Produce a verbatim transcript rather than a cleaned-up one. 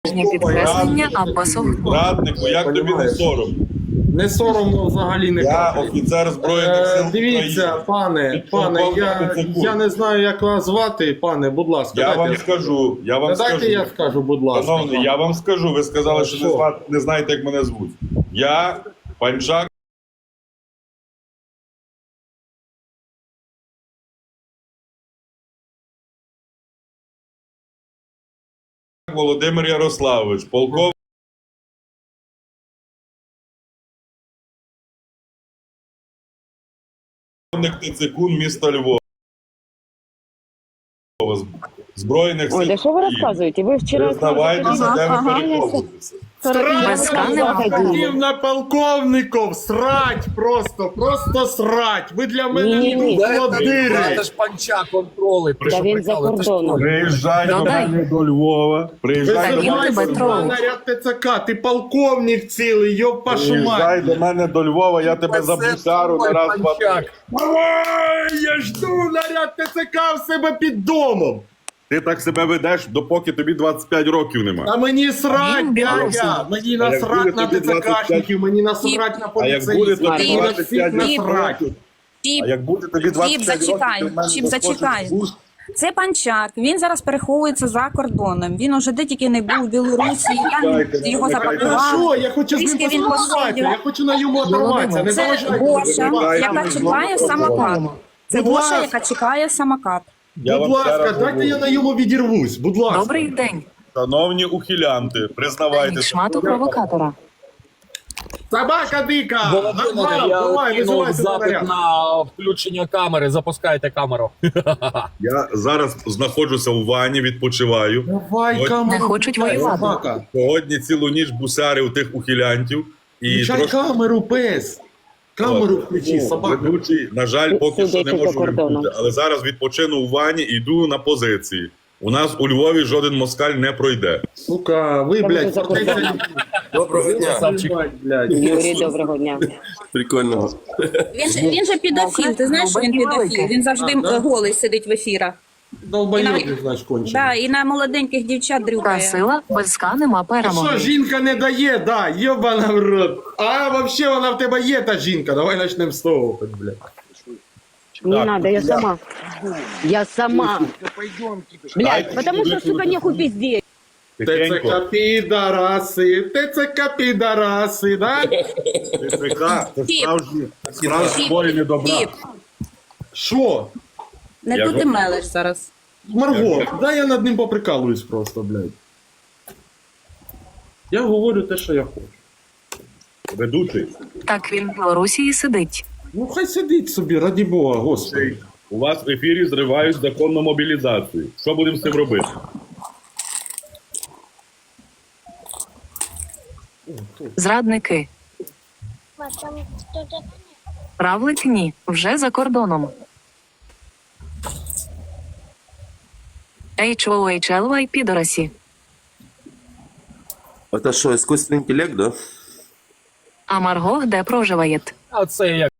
Підкреслення або сухо. Раднику, як тобі не сором? Не соромно взагалі не Я капає. офіцер Збройних сил Е, Дивіться, України. пане, пане, я, я не знаю, як вас звати, пане, будь ласка. Я дайте вам скажу, я вам Та дайте скажу. я скажу, будь ласка. Шановний, я вам скажу, ви сказали, що не, Що? зна- не знаєте, як мене звуть. Я Панчак Володимир Ярославович, полковник Тицикун, місто Львова. Збройних сил Ой, да что вы України. рассказываете? Вы вчера... Признавайтеся, де ви Ага. переховуєтеся. Без скани Хотів на полковников, срать просто, просто срать. Ви для мене Ні-ні-ні. не холодири. Це ж панча контроли. Та він за кордоном. Приїжджай до Додай. мене до Львова. Приїжджай до Він мене тебе до тролить. Львова. Наряд ТЦК, ти полковник цілий, йоп вашу Приїжджай мать. до мене до Львова, я тебе за бусару на раз, два, три. Ой, я жду наряд ТЦК в себе під домом. Ти так себе ведеш, допоки тобі двадцять п'ять років нема. А мені срать, Він білорус. дядя, мені А як насрать буде на тобі двадцять п'ять? ТЦКшників, мені насрать на А як буде поліцейських, тобі мені на двадцять всіх п'ять насрать. років? Чіп, А як буде тобі двадцять Чіп, п'ять років, зачекай, ти в мене Чіп, заскочиш зачекай. в бус? Це Панчак. Він зараз переховується за кордоном. Він уже де тільки не був у Білорусі. Я Чекайте, його чекайте. запакував. Хорошо, я хочу з ним Трішки він поспілкуватися, посидів. я хочу на йому оторватися. Не Це заважайте. Гоша, будь ласка. яка чекає самокат. Це Будь Гоша, ласка. яка чекає самокат. Я Будь вам ще ласка, раз дайте говорю. я на йому відірвусь, будь ласка. Добрий день. Шановні ухилянти, признавайтеся. Шмату провокатора. Собака дика! Володимир, Назвав, я давай, кинув визивайте запит наряд. на включення камери. Запускайте камеру. Я зараз знаходжуся у ванні, відпочиваю. Давай, Ось. камеру. Не хочуть воювати. Собака. Сьогодні цілу ніч бусарив тих ухилянтів. І Включай трошки камеру, пес. Камеру включи, собака. ведучий, на жаль, поки що не Сидячи за можу кордоном. вимкнути. Але зараз відпочину у ванні і йду на позиції. У нас у Львові жоден москаль не пройде. Сука, ви, блядь, за кордоном. фортеця... Доброго дня. Красавчик. блядь. Юрій, доброго дня. Прикольно. Він же, він же педофіл. Ти знаєш, що він педофіл? Він завжди да? голий сидить в ефірах. Долбойобі, значить, кончений. Да, і на молоденьких дівчат Та дрюкає. сила без ска нема Що, перемоги. жінка не дає, да, єбана в рот. А, вообще вона в тебе є, та жінка. Давай почнемо з того, хоч, блядь. Не Так, надо, я сама. Я сама. Блядь, Дайте потому что, сюди сука, нехуй пиздеть. Тихенько. ТЦК підараси, ТЦК підараси, да? ТЦК – це Чіп. справжні, справжні воїни добра. Чіп, Що? не Я тут ти го- мелеш зараз. Марго, дай я над ним поприкалуюсь просто, блядь. Я говорю те, що я хочу. Ведучий, Так він в Білорусі і сидить. Ну хай сидить собі, раді Бога, господи. у вас в ефірі зривають законну мобілізацію. Що будемо з цим робити? Зрадники. Правлик ні. Вже за кордоном. Ейч О Ейч Ел Вай підорасі. Это что, искусственный интеллект, да? А Марго де проживає? А це як